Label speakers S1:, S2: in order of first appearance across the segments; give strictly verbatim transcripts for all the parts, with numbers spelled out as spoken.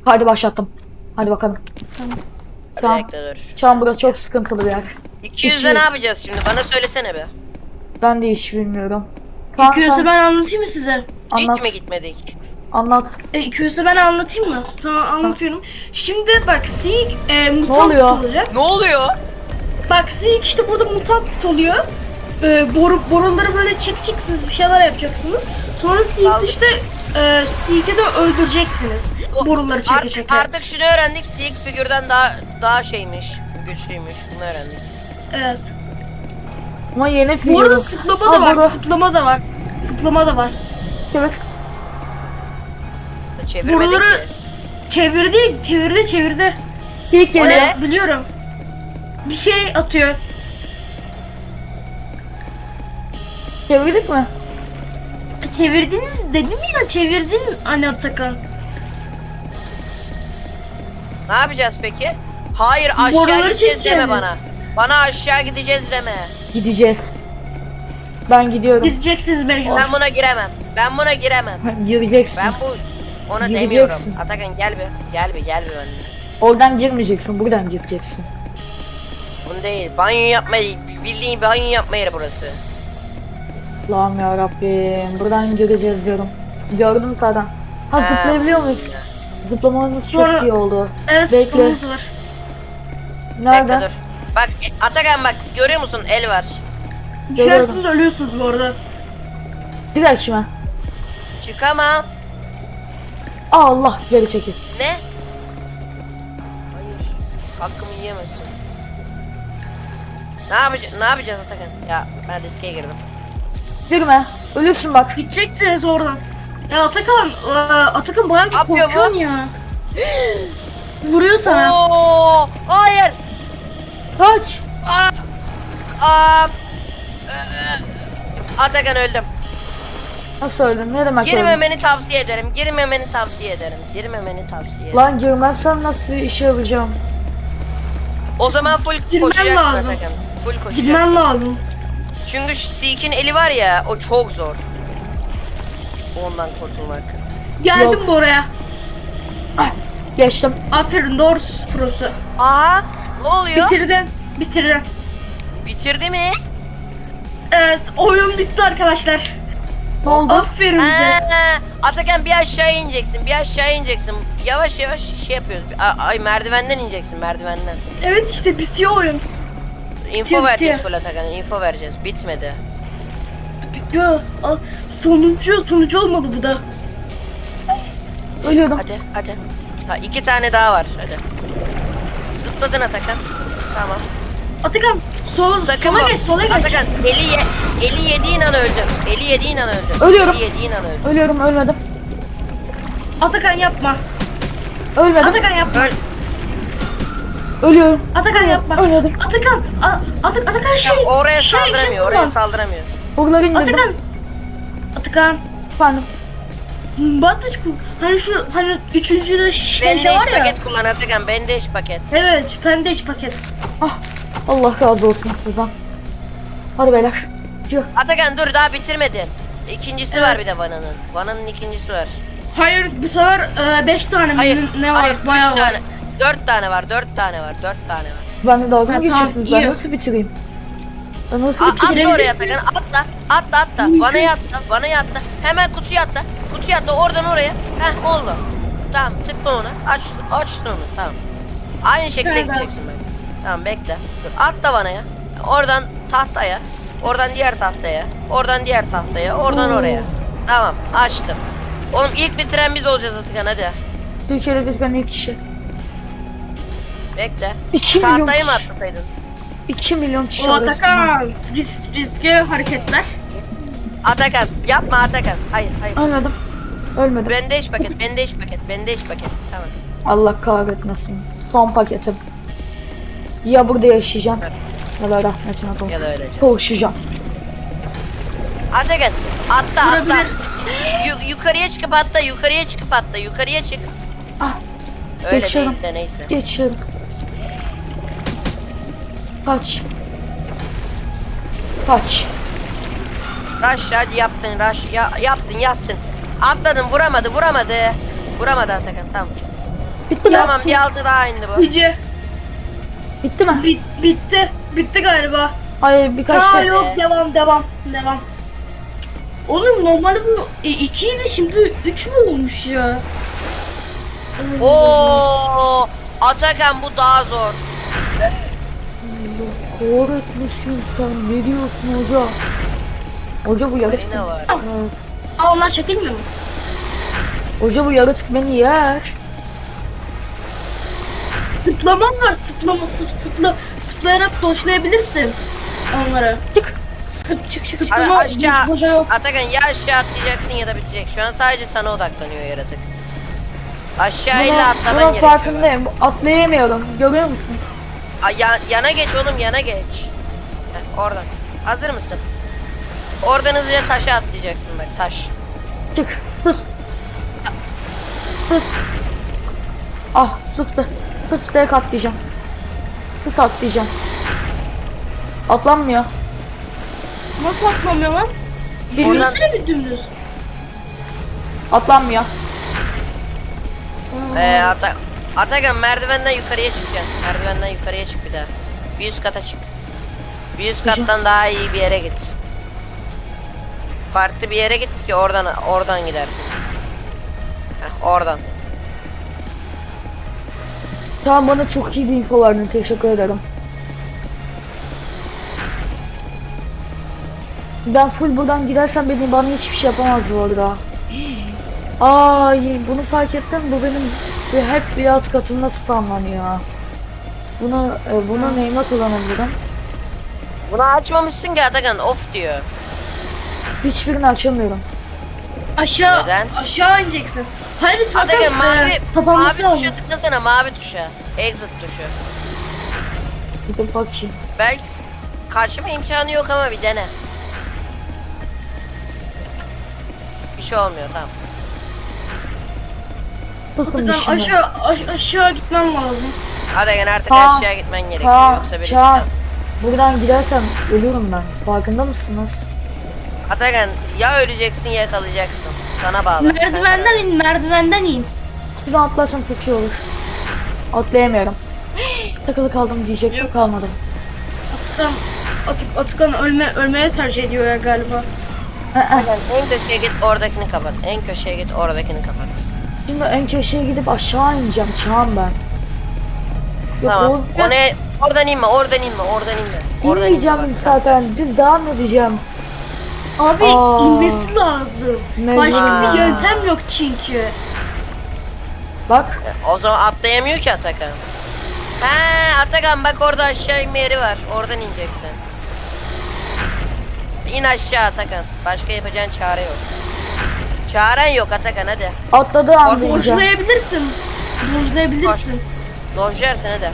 S1: Hadi başlattım. Hadi bakalım.
S2: Tamam.
S1: Şu an,
S3: Bekle dur.
S1: şu an burası çok sıkıntılı bir yer.
S3: iki yüzde ne yapacağız şimdi? Bana söylesene be.
S1: Ben de hiç bilmiyorum. Kaan,
S2: iki yüzü
S1: sen
S2: ben anlatayım mı size?
S1: anlat.
S3: Hiç mi gitmedik?
S1: Anlat.
S2: E, iki yüzü ben anlatayım mı? Tamam anlatıyorum. Şimdi bak Seek e, mutant
S1: oluyor?
S2: olacak.
S3: Ne oluyor?
S2: Bak Seek işte burada mutant oluyor. E, boru, boruları böyle çekeceksiniz, bir şeyler yapacaksınız. Sonra Seek
S3: Aldım.
S2: işte e, Seek'i de öldüreceksiniz.
S3: O-
S2: Boruları çeke
S3: Artık,
S2: çeke.
S3: artık şunu öğrendik. Seek figürden daha daha şeymiş. Güçlüymüş. Bunu öğrendik.
S2: Evet.
S1: Ama yeni
S2: Bu arada
S1: figürüm.
S2: zıplama da
S1: Aa,
S2: var,
S1: boru.
S2: zıplama da var. Zıplama da var.
S1: Evet.
S3: Çevirmedik
S2: Boruları
S3: ki.
S2: çevirdi, çevirdi, çevirdi.
S1: İlk
S3: O
S1: geliyor.
S3: ne?
S2: Biliyorum. Bir şey atıyor.
S1: Çevirdik mi?
S2: Çevirdiniz dedim ya, çevirdin anne Atakan.
S3: Ne yapacağız peki? Hayır aşağı
S2: Boruları
S3: gideceğiz deme
S2: çekeceğiz.
S3: bana. Bana aşağı gideceğiz deme.
S1: Gideceğiz. Ben gidiyorum.
S2: Gideceksiniz mecbur.
S3: Ben buna giremem. Ben buna giremem.
S1: Gireceksin.
S3: Ben bu ona
S1: Gireceksin.
S3: demiyorum. Atakan gel bir. Gel bir gel bir benimle.
S1: Oradan girmeyeceksin. Buradan gireceksin.
S3: Bunu değil. Banyo yapmayı bildiğin banyo yapma yeri burası.
S1: Allah'ım ya Rabbim. Buradan gireceğiz diyorum. Gördüm zaten. Ha
S3: Ha.
S1: zıplayabiliyor muyuz? Zıplamamız çok
S2: Sonra-
S1: iyi oldu.
S2: Evet,
S1: Bekle.
S2: zıplaması var.
S1: Nerede?
S3: Bekle dur. Bak Atakan bak görüyor musun el var.
S1: Görüyorum.
S2: Düşersiniz ölüyorsunuz bu arada.
S1: Direkt mi?
S3: Çıkamam.
S1: Allah geri çekil.
S3: Ne? Hayır. Hakkımı yiyemezsin. Ne yapacağız? Ne yapacağız Atakan? Ya ben riske girdim.
S1: Girme. Ölürsün bak.
S2: Gideceksiniz oradan. Ya Atakan, e, Atakan bayağı bir
S3: Ne yapıyor bu?
S2: korkuyorsun ya. Vuruyor sana.
S3: Oo! Hayır.
S1: Kaç.
S3: Aa! Aa! Ee, Atakan öldüm.
S1: Nasıl öldün? Ne demek öldün?
S3: Girmemeni tavsiye ederim. Girmemeni tavsiye ederim. Girmemeni tavsiye ederim.
S1: Lan girmezsen nasıl işe yapacağım?
S3: O zaman full
S2: Girmen
S3: koşacaksın
S2: lazım.
S3: Atakan. Full koşacaksın.
S2: Gitmen lazım.
S3: Çünkü şu Seek'in eli var ya, o çok zor. Ondan kurtulmak.
S2: Geldim
S1: Yok.
S2: bu oraya.
S1: Ah, geçtim.
S2: Aferin, doğru prosu.
S3: Aa! Ne oluyor?
S2: Bitirdin. Bitirdin.
S3: Bitirdi mi?
S2: Evet, oyun bitti arkadaşlar.
S1: Ne oldu?
S2: Aferin bize.
S3: Ha, Atakan bir aşağı ineceksin, bir aşağı ineceksin. Yavaş yavaş şey yapıyoruz. A- Ay merdivenden ineceksin, merdivenden.
S2: Evet işte bitiyor oyun.
S3: Info
S2: Bitti.
S3: vereceğiz full Atakan, info vereceğiz. Bitmedi.
S2: Bitiyor. Aa, sonuncu, sonucu olmadı bu da.
S1: Ölüyordum.
S3: Hadi, hadi. Ha, iki tane daha var, hadi. Zıpladın Atakan. Tamam.
S2: Atakan, sola,
S3: Sakın
S2: sola
S3: bak.
S2: geç, sola geç.
S3: Atakan, eli, ye eli yediğin an öldün. Eli yediğin an öldün.
S1: Ölüyorum.
S3: Eli yediğin an öldün.
S1: Ölüyorum ölmedim.
S2: Atakan yapma.
S1: Ölmedim.
S2: Atakan yapma.
S3: Öl.
S1: Ölüyorum.
S2: Atakan yapma.
S1: Ölmedim.
S2: Atakan, A- Atak Atakan şey.
S3: Ya oraya
S2: şey,
S3: saldıramıyor,
S2: şey
S3: oraya
S2: kullan.
S3: saldıramıyor.
S1: Buraları indirdim.
S2: Atakan. Atakan.
S1: Efendim.
S2: Batıç ku. Hani şu hani üçüncü de şey, şey
S3: Bandage
S2: var ya.
S3: paket kullan Atakan, bandage paket.
S2: Evet, bandage paket.
S1: Ah. Allah razı olsun sizden. Hadi beyler. Yürü.
S3: Atakan dur daha bitirmedin. İkincisi var
S2: Evet.
S3: bir de Vana'nın. Vana'nın ikincisi var.
S2: Hayır, bu sefer e, beş tane mi
S3: Hayır,
S2: ne var?
S3: hayır, üç
S2: Bayağı var.
S3: tane. Dört tane var, dört tane var, dört tane var.
S1: Ben de dalga
S2: Ha,
S1: mı
S2: tamam,
S1: geçiyorsunuz? Ben
S2: iyi.
S1: nasıl bitireyim? Ben nasıl
S3: A
S1: bitireyim?
S3: atla oraya
S2: bitirebilirsin.
S3: Atakan, atla, atla, atla. Vana'ya atla, Vana'ya atla. Hemen kutuya atla, kutuya atla, oradan oraya. Heh, oldu. Tamam, tıkla onu, aç, açtın onu, tamam. Aynı şekilde
S2: Şöyle.
S3: gideceksin ben. Tamam, bekle. Dur, atla Vana'ya. Oradan tahtaya, oradan diğer tahtaya, oradan diğer tahtaya, oradan
S1: Oo.
S3: oraya. Tamam, açtım. Oğlum ilk bitiren biz olacağız Atakan, hadi.
S1: Türkiye'de biz ben ilk kişi.
S3: Bekle.
S1: iki milyon
S3: Tahtayı mı
S1: kişi.
S3: atlasaydın?
S1: iki milyon kişi
S2: O
S1: arasında.
S2: Atakan. Risk, riskli hareketler.
S3: Atakan, yapma Atakan. Hayır, hayır.
S1: Ölmedim. Ölmedim.
S3: Bandage paket, bandage paket, bandage paket. Tamam.
S1: Allah kahretmesin. Son paketim. Ya burada yaşayacağım.
S3: Evet.
S1: Ya da rahmetine doğru.
S3: Ya da öylece.
S1: Koşacağım.
S3: Atakan, atla atla.
S2: Vurabilir.
S3: Yu- yukarıya çıkıp atla, yukarıya çıkıp atla, yukarıya çık.
S1: Ah.
S3: Öyle
S1: Geçiyorum.
S3: değil de neyse.
S1: Geçiyorum. Kaç. Kaç.
S3: Rush hadi yaptın, rush. Ya, yaptın, yaptın. Atladın, vuramadı, vuramadı. Vuramadı Atakan, tamam.
S1: Bitti mi?
S2: Ya-
S3: Tamam bir altı daha indi bu.
S2: Cici.
S1: Bitti mi?
S2: Bit, bitti. Bitti galiba.
S1: Hayır birkaç
S2: Ha
S1: şey.
S2: yok devam devam devam. Oğlum normalde bu ikiydi şimdi üç mü olmuş ya?
S3: Oo, Atakan bu daha zor.
S1: Kahretmişsin sen. Ne diyorsun hoca? Hoca bu yaratık.
S3: Marina var.
S1: Evet.
S2: Aa onlar çekilmiyor mu?
S1: Hoca bu yaratık beni yer.
S2: Sıplaman var sıplama sıp sıpla sıplayarak doşlayabilirsin onları.
S1: Çık.
S2: Sıp çık çık
S3: Hadi
S2: sıplama
S3: aşağı.
S2: hoca yok.
S3: Atakan ya aşağı atlayacaksın ya da bitecek. Şu an sadece sana odaklanıyor yaratık. Aşağıyla
S1: Buna,
S3: atlaman
S1: buna
S3: gerekiyor.
S1: farkındayım. Atlayamıyorum. Görüyor musun?
S3: Aa, ya- yana geç oğlum yana geç. Heh, oradan. Hazır mısın? Oradan hızlıca taşa atlayacaksın bak taş.
S1: Çık. Sus. Sus. Ah sus be. Sus direkt atlayacağım. Sus atlayacağım. Atlanmıyor.
S2: Nasıl atlamıyor lan?
S3: Oradan-
S2: Bilmesene bir dümdüz.
S1: Atlanmıyor.
S2: Aa.
S3: Ee, Ata Atakan merdivenden yukarıya çıkacaksın. Merdivenden yukarıya çık bir daha. Bir üst kata çık. Bir üst
S1: Çıkacağım.
S3: kattan daha iyi bir yere git. Farklı bir yere git ki oradan oradan gidersin. Heh, oradan.
S1: Tamam bana çok iyi bir info verdin. Teşekkür ederim. Ben full buradan gidersem beni bana hiçbir şey yapamaz bu arada. Ay bunu fark ettim. Bu benim bir- hep bir alt katımda spamlanıyor. Bunu e, bunu neyime kullanabilirim?
S3: Bunu açmamışsın ki Atakan off diyor.
S1: Hiçbirini açamıyorum.
S2: Aşağı
S3: Neden?
S2: aşağı ineceksin. Hayır zaten
S3: Atakan mavi,
S2: e,
S1: kapanması
S3: mavi
S1: lazım.
S3: tuşa tıklasana mavi tuşa. Exit tuşu.
S1: Bir de bakayım.
S3: Belki kaçma imkanı yok ama bir dene. Bir şey olmuyor tamam.
S1: Bakın
S2: Buradan
S1: şimdi.
S2: aşağı aş- aşağı gitmen lazım.
S3: Atakan artık
S1: Kaan,
S3: aşağı gitmen gerekiyor
S1: Kaan,
S3: yoksa birisi.
S1: Kaan. Buradan gidersem ölürüm ben. Farkında mısınız?
S3: Atakan ya öleceksin ya kalacaksın. Sana bağlı. Sen
S2: Merdivenden
S3: karar ver.
S2: in merdivenden in.
S1: Şuradan atlarsam çok iyi olur. Atlayamıyorum. Takılı kaldım diyecektim
S2: Yok.
S1: kalmadım.
S2: Atakan Atık, Atakan ölme ölmeye tercih ediyor ya galiba.
S1: Ee,
S3: Atakan en köşeye git oradakini kapat. En köşeye git oradakini kapat.
S1: Şimdi en köşeye gidip aşağı ineceğim. Çağım ben. Yok
S3: Tamam.
S1: o...
S3: O ne? Oradan inme, oradan inme, oradan inme. Oradan inme
S1: İnmeyeceğim
S3: bak.
S1: zaten. Düz devam edeceğim.
S2: Abi
S1: Aa.
S2: inmesi lazım.
S1: Mecbur.
S2: Başka bir yöntem yok çünkü.
S1: Bak.
S3: O zaman atlayamıyor ki Atakan. He Atakan bak orada aşağı inme yeri var. Oradan ineceksin. İn aşağı Atakan. Başka yapacağın çare yok. Çaren yok Atakan hadi.
S1: Atladığı anda ineceğim.
S2: Dojlayabilirsin. Dojlayabilirsin.
S3: Dojlersin hadi.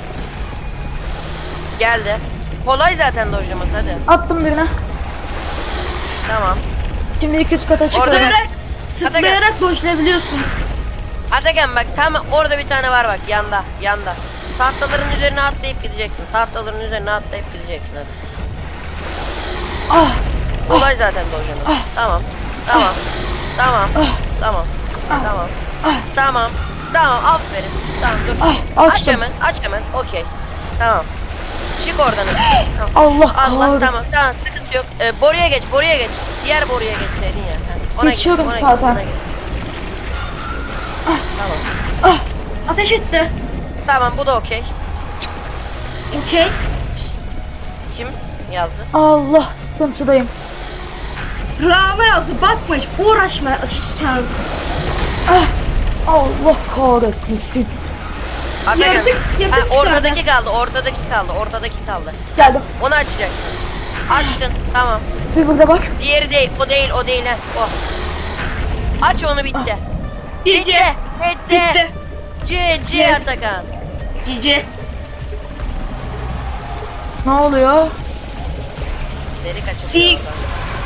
S3: Geldi. Kolay zaten dojlaması hadi.
S1: Attım birine.
S3: Tamam.
S1: Şimdi iki üst kata çıkıyorum.
S2: Sıplayarak, sıplayarak dojlayabiliyorsun.
S3: Atakan bak tam orada bir tane var bak yanda yanda. Tahtaların üzerine atlayıp gideceksin. Tahtaların üzerine atlayıp gideceksin hadi.
S1: Ah.
S3: Kolay zaten dojlaması. Tamam. Tamam. Tamam. Tamam. Tamam. Tamam. Tamam aferin. Tamam dur.
S1: Ah,
S3: Aç
S1: açtım.
S3: hemen aç hemen. Okey. Tamam. Çık oradan. Tamam.
S1: Allah
S3: Allah
S1: kahretsin.
S3: tamam tamam sıkıntı yok. Ee, boruya geç boruya geç. Diğer boruya geçseydin ya. Ha, Ona
S1: Geçiyorum
S3: geç, ona
S1: zaten.
S3: Geç, ona geç. Tamam.
S2: Ateş etti.
S3: Tamam bu da okey.
S2: Okey.
S3: Kim yazdı?
S1: Allah sıkıntıdayım.
S2: Rana yazdı. Bakma hiç. Uğraşma. Açıkçası.
S1: Ah. Allah kahretsin.
S3: Atakan.
S2: Yaratık- yaratık
S3: Ha, ortadaki
S2: çıkardı.
S3: kaldı ortadaki kaldı ortadaki kaldı.
S1: Geldim.
S3: Onu açacaksın. Açtın tamam.
S1: Bir burada bak.
S3: Diğeri değil o değil o değil ha. O. Aç onu bitti. Bitti.
S2: Cici.
S3: Bitti.
S2: Bitti.
S3: C C
S2: Yes.
S3: Atakan.
S2: Cici.
S1: Ne oluyor?
S3: Deri kaçırıyor.
S2: Sik.
S3: oradan.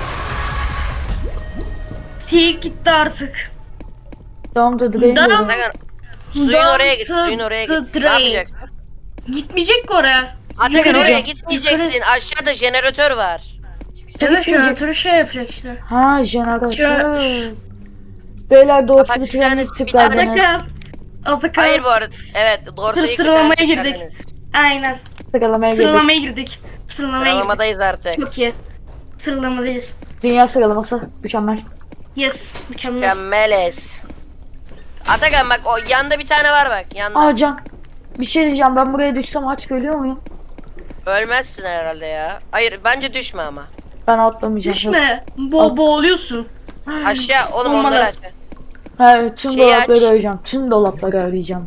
S2: Sik gitti artık.
S1: Tamam da drain
S2: Tamam.
S1: diyorum.
S3: Atakan. Suyun oraya git. Suyun oraya
S2: The
S3: git. Ne
S2: drain.
S3: yapacaksın?
S2: Gitmeyecek ki oraya.
S3: Atakan
S2: Yukarı-
S3: oraya
S2: yukarı-
S3: gitmeyeceksin. Aşağıda jeneratör var.
S2: Ya da jeneratörü şey yapacak işte.
S1: Ha jeneratör.
S2: Şö-
S1: Beyler doğrusu
S3: Bak,
S1: bir
S3: bir tane-
S1: tane
S3: bir
S1: tıklar
S3: tane-
S1: beni.
S2: Atakan. Atakan.
S3: Hayır bu arada. Evet dorsayı
S2: Sır sıralamaya
S3: kaçıran
S2: girdik.
S3: çocuklar.
S2: Aynen.
S1: Sıralamaya girdik.
S2: Sıralamaya girdik. Sıralamaya girdik.
S3: Sıralamadayız artık.
S2: Çok iyi. Sıralamadayız.
S1: Dünya sıralaması mükemmel.
S2: Yes. Mükemmel.
S3: Mükemmeliz. Atakan bak o yanda bir tane var bak yanda.
S1: Aa Can. Bir şey diyeceğim, ben buraya düşsem aç ölüyor muyum?
S3: Ölmezsin herhalde ya. Hayır bence düşme ama.
S1: Ben atlamayacağım.
S2: Düşme. Bo boğuluyorsun.
S3: Aşağı oğlum
S2: Olmadı.
S3: onları aç.
S1: He, tüm
S3: Şeyi
S1: dolapları
S3: aç.
S1: arayacağım. Tüm dolapları arayacağım.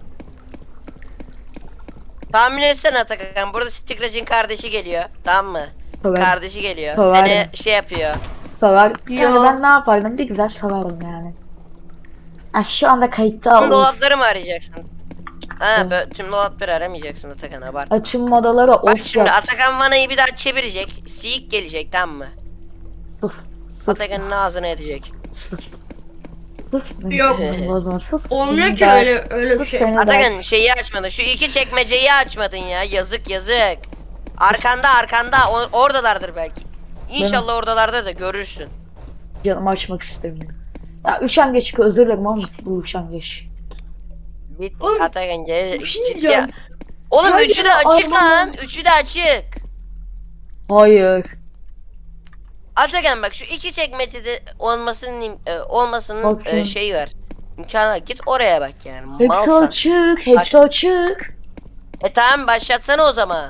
S3: Tahmin etsene Atakan. Burada Stikrac'ın kardeşi geliyor. Tamam mı?
S1: Severim.
S3: Kardeşi geliyor.
S1: Severim.
S3: Seni şey yapıyor.
S1: Sever.
S2: Ya.
S1: Yani ben ne yapardım? Bir güzel severim yani. Ha, şu anda kayıtta
S3: Tüm
S1: olur.
S3: dolapları mı arayacaksın? Ha
S1: Evet.
S3: böyle tüm dolapları aramayacaksın Atakan abart.
S1: Ha, tüm modalara
S3: Bak
S1: of
S3: şimdi
S1: yap.
S3: Atakan vanayı bir daha çevirecek. Siyik gelecek tamam mı?
S1: Sus.
S3: Atakan'ın ağzına edecek.
S1: Sus. Sus. beni
S2: Yok.
S1: sinirimi bozma, sus.
S2: Olmuyor ki
S1: Ben-
S2: öyle öyle bir
S1: sus
S2: şey.
S1: beni ben-
S3: Atakan şeyi açmadın. Şu iki çekmeceyi açmadın ya. Yazık yazık. Arkanda arkanda o- oradalardır belki. İnşallah oradalardır da görürsün.
S1: Canımı açmak istemiyorum. Ya üşengeç, özür dilerim ama bu üşengeç.
S3: Bit
S2: Oğlum,
S3: Atakan gel.
S2: bir şey
S3: ciddi-
S2: diyeceğim.
S3: Oğlum
S1: Hayır,
S3: üçü de açık
S1: Arman.
S3: lan. Üçü de açık.
S1: Hayır.
S3: Atakan bak şu iki çekmecede olmasının im- e, olmasının
S1: Bakıyorum.
S3: e, şeyi var. İmkanı var. Git oraya bak yani.
S1: Hepsi
S3: Malsan.
S1: açık, hepsi açık.
S3: E tamam başlatsana o zaman.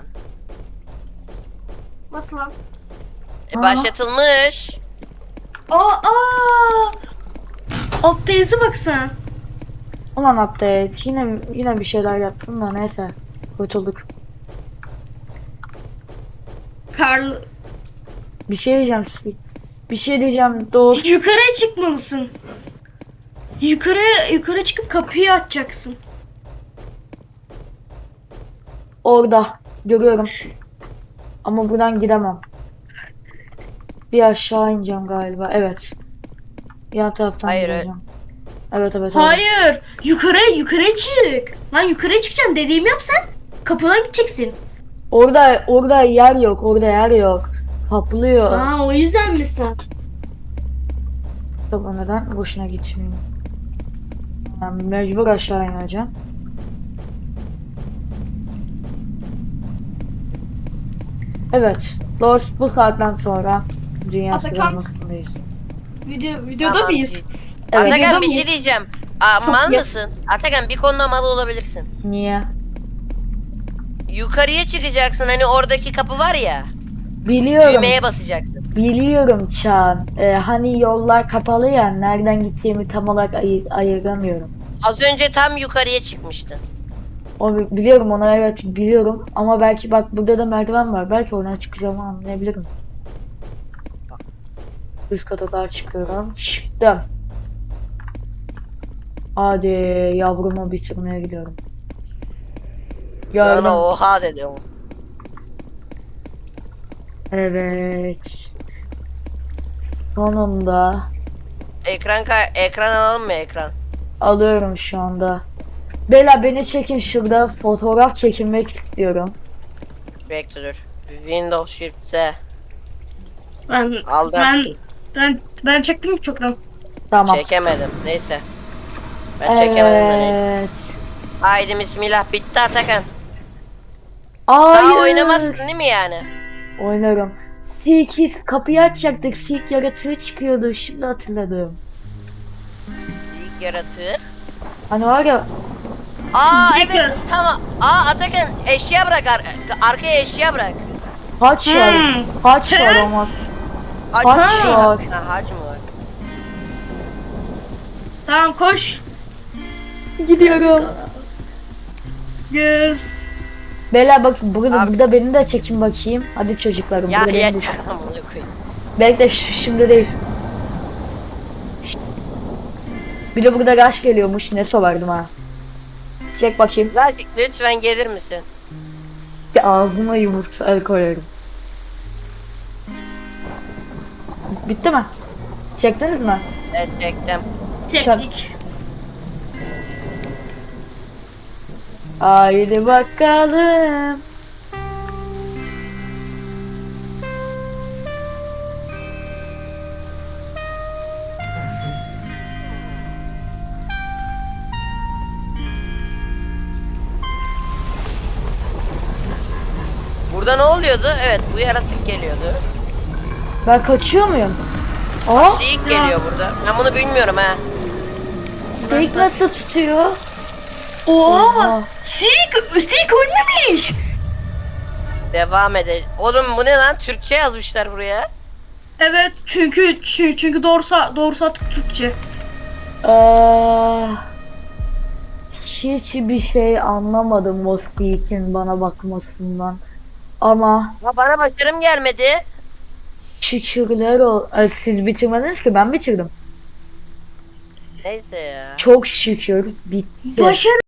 S2: Nasıl lan?
S3: E,
S1: Aa.
S3: başlatılmış.
S2: Aa aa. Altta yazı bak sen.
S1: Ulan update, yine yine bir şeyler yaptım da neyse. Kurtulduk.
S2: Karl
S1: Bir şey diyeceğim size. Bir şey diyeceğim dost.
S2: yukarıya çıkmalısın. Yukarı yukarı çıkıp kapıyı açacaksın.
S1: Orada görüyorum. Ama buradan gidemem. Bir aşağı ineceğim galiba. Evet. Yan taraftan
S3: Hayır,
S1: gideceğim. Evet evet. orada.
S2: Hayır. Yukarı yukarı çık. Lan yukarı çıkacaksın, dediğimi yap sen. Kapıdan gideceksin.
S1: Orada orada yer yok. Orada yer yok. Kaplıyor.
S2: Aa o yüzden mi sen?
S1: Tabii neden boşuna gitmeyeyim. Yani mecbur aşağı ineceğim. Evet. Dost bu saatten sonra dünya
S2: Atakan.
S1: sıralamasındayız.
S2: Video videoda
S3: Tamam,
S2: mıyız?
S3: iyi.
S1: Evet.
S3: Atakan
S2: Videoda
S3: bir şey
S2: mıyız?
S3: diyeceğim. Aa,
S2: Çok
S3: mal
S2: ya-
S3: mısın? Atakan bir konuda mal olabilirsin.
S1: Niye?
S3: Yukarıya çıkacaksın hani oradaki kapı var ya.
S1: Biliyorum.
S3: Düğmeye basacaksın.
S1: Biliyorum Çağan. Ee, hani yollar kapalı ya. Nereden gittiğimi tam olarak ayı- ayıramıyorum.
S3: Az önce tam yukarıya çıkmıştın.
S1: O bi- biliyorum onu, evet biliyorum. Ama belki bak burada da merdiven var. Belki oradan çıkacağımı anlayabilirim. Üst kata daha çıkıyorum. Çıktım. Hadi yavrumu bitirmeye gidiyorum. Gördüm.
S3: Bana oha dedi o.
S1: Evet. Sonunda
S3: Ekran ka- ekran alalım mı ekran?
S1: alıyorum şu anda. Bela beni çekin, şurada fotoğraf çekinmek istiyorum.
S3: Bekle dur. Windows Shift S.
S2: Ben
S3: Aldım.
S2: ben ben ben çektim çoktan.
S1: Tamam.
S3: Çekemedim. Neyse. Ben çekemedim de neyse.
S1: Evet.
S3: Haydi bismillah bitti Atakan.
S1: Hayır.
S3: Daha oynamazsın değil mi yani?
S1: Oynarım. sekiz kapıyı açacaktık. Silk yaratığı çıkıyordu. Şimdi hatırladım.
S3: İlk yaratığı.
S1: Hani var ya.
S3: Aa
S2: Direkt
S3: evet
S2: yaz.
S3: tamam. Aa Atakan eşya bırak ar- arkaya eşya bırak.
S1: Haç var.
S2: Hmm.
S1: Haç var
S2: He?
S1: ama.
S3: Hac
S1: Haç
S3: mı?
S1: var.
S3: Ha, hac mı var?
S2: Tamam koş.
S1: Gidiyorum.
S2: Yes.
S1: Bela bak burada,
S3: Abi.
S1: burada beni de çekin bakayım. Hadi çocuklarım.
S3: Ya
S1: burada beni de-
S3: yeter amına koyayım.
S1: Bekle ş- şimdi değil. Bir de burada gaş geliyormuş. Ne sovardım ha. Çek bakayım.
S3: Verdik lütfen gelir misin?
S1: Bir ağzıma yumurta el koyarım. Bitti mi? Çektiniz mi?
S3: Evet çektim.
S2: Çektik.
S1: Haydi bakalım.
S3: Burada ne oluyordu? Evet bu yaratık geliyordu.
S1: Ben kaçıyor muyum? Aa,
S3: Siyik geliyor burada. Ben bunu bilmiyorum ha.
S1: fake nasıl tutuyor?
S2: Oha!
S1: Oha.
S2: Sik! Sik ölmemiş!
S3: Devam edelim. Oğlum bu ne lan? Türkçe yazmışlar buraya.
S2: Evet çünkü çünkü, çünkü doğrusu doğrusu artık Türkçe.
S1: Eee, hiç bir şey anlamadım o Steve'in bana bakmasından. Ama
S3: Ha, bana başarım gelmedi.
S1: şükürler ol. Ay, siz bitirmediniz ki, ben bitirdim.
S3: Neyse ya.
S1: Çok şükür bitti.
S2: Başarı